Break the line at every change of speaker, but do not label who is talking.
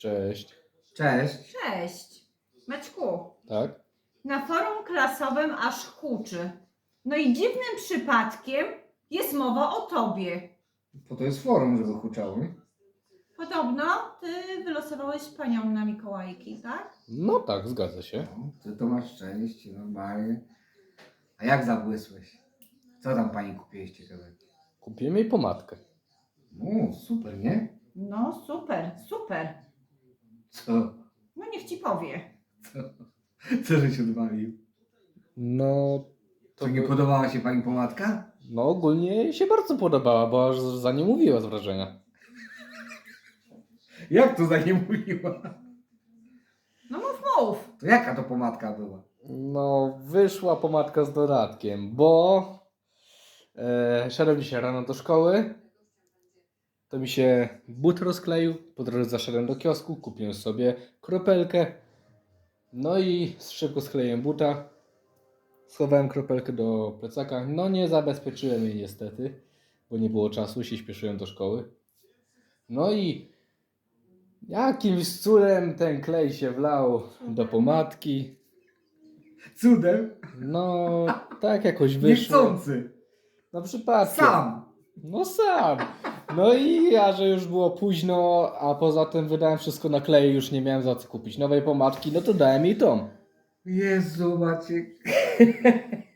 Cześć.
Cześć.
Cześć. Maćku,
Tak?
na forum klasowym aż huczy. No i dziwnym przypadkiem jest mowa o tobie.
Po to jest forum, żeby huczały.
Podobno ty wylosowałeś panią na Mikołajki, tak?
No tak, zgadza się.
No, ty to masz szczęście, normalnie. A jak zabłysłeś? Co tam pani kupiłeś ciekawego?
Kupiłem jej pomadkę.
No, super, nie?
No super, super.
Co?
No niech ci powie.
Co żeś odwalił?
No, to
To nie podobała się pani pomadka?
no ogólnie jej się bardzo podobała, bo aż za nie mówiła z wrażenia.
Jak to za nie mówiła?
No mów.
To jaka to pomadka była?
No, wyszła pomadka z dodatkiem, bo szedłem dzisiaj rano do szkoły, to mi się but rozkleił, po drodze zaszedłem do kiosku, kupiłem sobie kropelkę, no i szybko skleiłem buta, schowałem kropelkę do plecaka, no nie zabezpieczyłem jej niestety, bo nie było czasu, się śpieszyłem do szkoły. No i jakimś cudem ten klej się wlał do pomadki,
Cudem?
no tak jakoś wyszło.
Niechcący.
No przypadkiem.
Sam.
No sam. No i ja, że już było późno, a poza tym wydałem wszystko na klej, już nie miałem za co kupić nowej pomadki, no to dałem jej tą.
Jezu, Maciek.